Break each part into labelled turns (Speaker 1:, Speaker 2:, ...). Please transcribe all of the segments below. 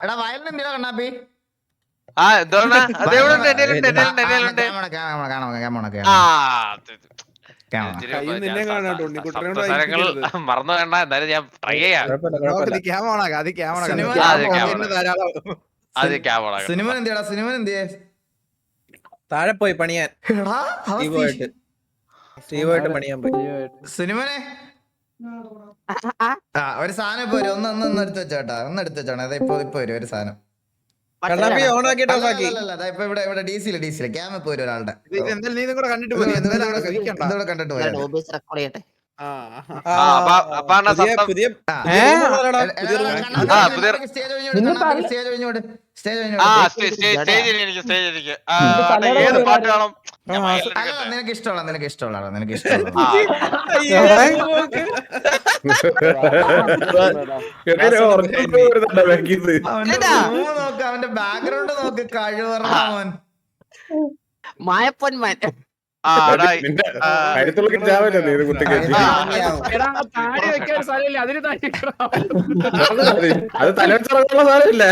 Speaker 1: എടാ വയലിന് എന്തിനാ കണ്ണാപ്പി
Speaker 2: മറന്നു വേണ്ട എന്തായാലും ഞാൻ ട്രൈ ചെയ്യാം.
Speaker 1: സിനിമ എന്തിയാടാ സിനിമ എന്തിയേ
Speaker 3: താഴെ പോയി പണിയാൻ സ്റ്റീവായിട്ട് പണിയാൻ പോയി
Speaker 1: സിനിമനെ ഒരു സാധനം ഇപ്പൊ വരും ഒന്ന് എടുത്ത് വെച്ചോട്ടാ ഒന്ന് എടുത്ത് വെച്ചോണേ അതാ ഇപ്പൊ വരും ഒരു സാധനം ഇപ്പൊ ഇവിടെ ഡിസിയില് ക്യാമ ഇപ്പൊ വരും ഒരാളുടെ കണ്ടിട്ട് പോയി
Speaker 2: ഏത് പാട്ട് കാണും
Speaker 1: നിനക്ക് ഇഷ്ടമുള്ള നോക്ക് അവന്റെ ബാക്ക്ഗ്രൗണ്ട് നോക്ക് കഴിവറവൻ
Speaker 4: മായപ്പൊന്മാൻ
Speaker 5: അത് തലവെച്ചിറങ്ങുള്ള സാധനമില്ല.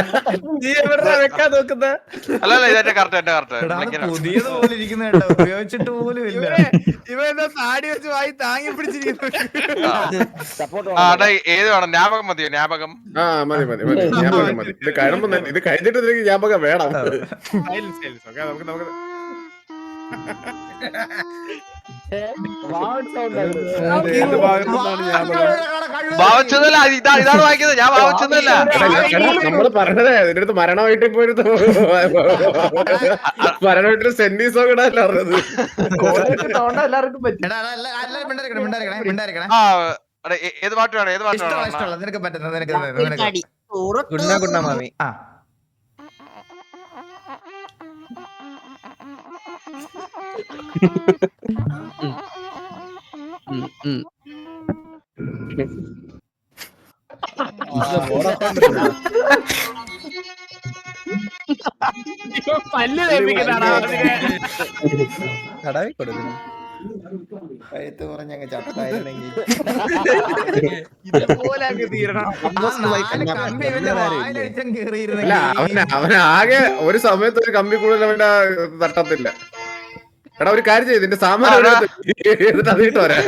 Speaker 2: അല്ലല്ല ഇതന്നെ കറക്റ്റ്
Speaker 1: പുതിയത് പോലെ ഇരിക്കുന്ന കേട്ടോ ഉപയോഗിച്ചിട്ട് പോലും ഇല്ല
Speaker 6: ഇവ താടി വെച്ച് വായി താങ്ങി പിടിച്ചിരിക്കുന്നു.
Speaker 2: ഏത് വേണം ജ്ഞാപകം മതിയോ ജ്ഞാപകം
Speaker 5: മതി ജ്ഞാപകം മതി. ഇത് കഴിയുമ്പോ ഇത് കഴിഞ്ഞിട്ട് നിനക്ക് ജ്ഞാപകം വേണം. നമുക്ക്
Speaker 2: ഭാവിച്ചതല്ല ഇതാണ് വായിക്കുന്നത് ഞാൻ ഭാവിച്ചതല്ല
Speaker 5: നമ്മള് പറഞ്ഞതേ അതിന്റെ അടുത്ത് മരണ വീട്ടിൽ പോയിട്ട് മരണ വീട്ടിൽ സെന്റീസ് നോക്കണ പറഞ്ഞത്.
Speaker 2: ഏത് പാട്ട് വേണം ഏത് പാട്ട് വേണം
Speaker 1: നിനക്ക് പറ്റുന്നത്
Speaker 3: മാമി
Speaker 6: പല്ല് തേപ്പിക്കുന്നതാണോ
Speaker 3: കടവിൽ കൊടുക്കുന്നു
Speaker 1: കഴുത്ത് പറഞ്ഞങ്ങ് ചത്തായിരുന്നെങ്കിൽ
Speaker 5: അല്ല അവനാകെ ഒരു സമയത്ത് ഒരു കമ്പി കൂടുതൽ അവന്റെ തട്ടത്തില്ല. എടാ ഒരു കാര്യം ചെയ്ത് ഇതിന്റെ സാമാൻ എന്നിട്ട് അതിട്ട് വരാ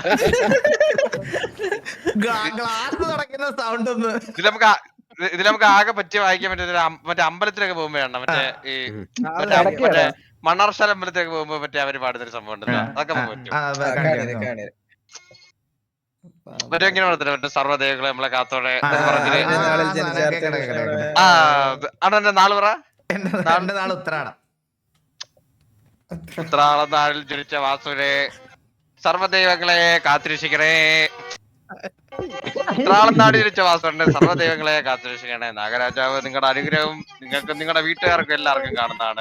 Speaker 2: ഇതിൽ നമുക്ക് ആകെ പറ്റി വായിക്കാൻ പറ്റുന്ന മറ്റേ അമ്പലത്തിലൊക്കെ പോകുമ്പോ വേണ്ട മറ്റേ ഈ മറ്റേ മണ്ണാർശാല അമ്പലത്തിലൊക്കെ പോകുമ്പോ മറ്റേ അവര് പാടുന്നൊരു സംഭവം ഉണ്ടല്ലോ അതൊക്കെ പറ്റും. മറ്റേ എങ്ങനെ പറയത്തില്ല മറ്റേ സർവ്വദേവകളെ നമ്മളെ കാത്തോടെ അണ്ണന്റെ നാള് പറ.
Speaker 1: നാള് ഉത്രാടം
Speaker 2: ഉത്രാളം നാളിൽ ജനിച്ച വാസുരെ സർവ്വദൈവങ്ങളെ കാത്തിരക്ഷിക്കണേ. ഉത്രാളം നാട് ജനിച്ച വാസുരന്റെ സർവ്വദൈവങ്ങളെ കാത്തിരക്ഷിക്കണേ. നാഗരാജാവ് നിങ്ങളുടെ അനുഗ്രഹം നിങ്ങൾക്കും നിങ്ങളുടെ വീട്ടുകാർക്കും എല്ലാവർക്കും കാണുന്നതാണ്.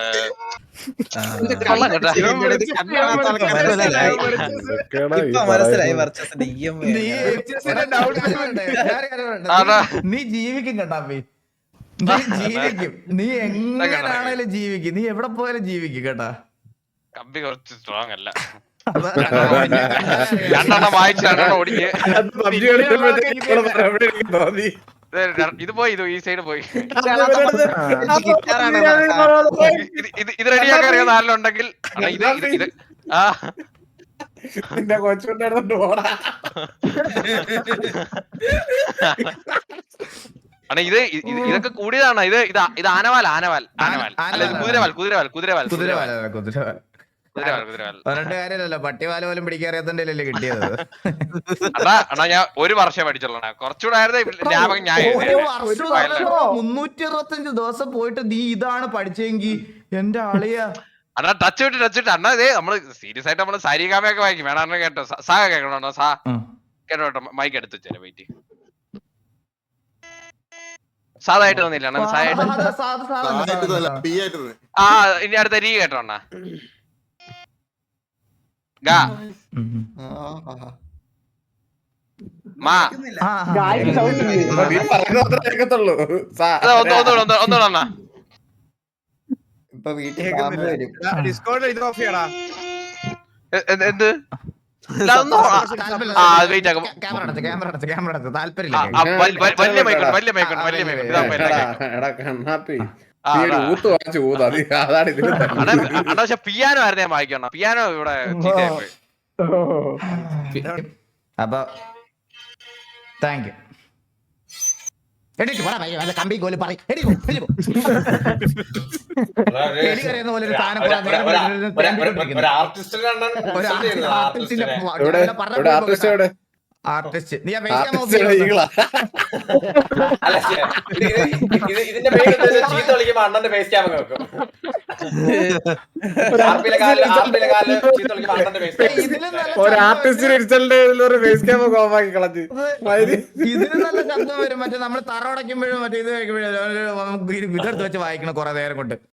Speaker 1: നീ ജീവിക്കും കേട്ടാ ജീവിക്കും നീ എങ്ങനെയാണേലും ജീവിക്കും നീ എവിടെ പോയാലും ജീവിക്കും കേട്ടാ.
Speaker 2: കമ്പി കുറച്ച് സ്ട്രോങ് അല്ല രണ്ടെണ്ണം വായിച്ച് രണ്ടെണ്ണം ഓടിക്ക്. ഇത് പോയി ഈ സൈഡ് പോയി. ഇത് റെഡിയാക്കാൻ അറിയാൻ നാലിലുണ്ടെങ്കിൽ ഇത്
Speaker 5: കൊച്ചുണ്ടായിരുന്നു ഓടാ.
Speaker 2: ഇത് ഇതൊക്കെ കൂടിയതാണ്. ഇത് ആനവാൽ അല്ല കുതിരവാൽ
Speaker 1: പറഞ്ഞിട്ട് കാര്യമല്ലോ പട്ടിവാല പോലും പിടിക്കാറിയാത്തല്ലേ കിട്ടിയത്.
Speaker 2: അണ്ണാ ഞാൻ ഒരു വർഷം പഠിച്ചുള്ളൂ കുറച്ചുകൂടെ ആയിരുന്നു ജ്ഞാപകം. ഞാൻ
Speaker 1: 365 ദിവസം പോയിട്ട് നീ ഇതാണ് പഠിച്ചെങ്കിൽ എന്റെ ആളിയാ.
Speaker 2: അണ്ണാ ടച്ച് വിട്ട് അണ്ണാ ഇതേ നമ്മള് സീരിയസ് ആയിട്ട് നമ്മള് സരിഗാമയൊക്കെ വായിക്കും. വേണം കേട്ടോ സാ കേൾക്കണോ സാ കേട്ടോ മൈക്ക് എടുത്ത് വെച്ചാലോ വെയിറ്റ്. സാധായിട്ട് തോന്നില്ല ഇനി അടുത്ത രീ കേട്ടോ അണ്ണാ. ഒന്നുകൂടെ
Speaker 1: ഇപ്പൊ വീട്ടിൽ
Speaker 6: ഡിസ്കോഡ് ഇത് ഓഫ് ചെയ്യടാ.
Speaker 2: എന്ത് വെയിറ്റ് ആക്കും
Speaker 1: ക്യാമറ അടച്ച് താല്പര്യമില്ല
Speaker 2: വലിയ മൈക്കുണ്ട് ഇതാകുമ്പോ
Speaker 5: എടാ കണ്ണാപ്പി നീ ഒരു ഊത്ത് വാങ്ങിച്ചു ഊത് അതാണ് ഇതിന്
Speaker 2: അണ്ണാ പക്ഷെ പിയാനോ ആയിരുന്നു ഞാൻ വായിക്കണം പിയാനോ ഇവിടെ ചീത്തയായിപ്പോയി.
Speaker 1: അപ്പൊ താങ്ക് യു എണീറ്റ് പോടാ പയ്യെ, വല്ല കമ്പി കോല് പറയ്. എണീറ്റ് പോ, എണീറ്റ് പോ. എലി കരയുന്ന പോലെ ഒരു സാധനം കൂടെ നേരെ പിടിച്ചിരിക്കുന്നു.
Speaker 4: ഒരു ആർട്ടിസ്റ്റിനെ
Speaker 1: ഒരു ആർട്ടിസ്റ്റിന്റെ
Speaker 5: എവിടെ എവിടെ ആർട്ടിസ്റ്റ് എവിടെ
Speaker 1: ആർട്ടിസ്റ്റ് നീ ആ face cam off
Speaker 5: ആർട്ടിസ്റ്റ്
Speaker 1: ചെയ്യ്.
Speaker 5: ഈകളാ
Speaker 4: അല്ല ഇതിന്റെ പേര് ചീത്ത വിളിക്കുമ്പോ അണ്ണന്റെ ഫേസ് ക്യാമ വെക്കും ആർപിയിലെ കാലില് ചീത്ത വിളിക്കുമ്പോ അണ്ണന്റെ ഫേസ് ക്യാമ
Speaker 1: ഇതിലും നല്ല
Speaker 5: ഒരു
Speaker 1: ശബ്ദം
Speaker 5: ആർട്ടിസ്റ്റിന് ഇൻസ്റ്റലിന്റെ ഒരു ഫേസ് ക്യാമ കോപ്പാക്കി കളഞ്ഞ്
Speaker 1: ഇതിന് നല്ല ശബ്ദം വരും. മറ്റേ നമ്മൾ തറ ഉടയ്ക്കുമ്പോഴും മറ്റേ ഇത് വയ്ക്കുമ്പോഴും ഇതെടുത്ത് വെച്ച് വായിക്കണം കുറെ നേരം കൊണ്ട്.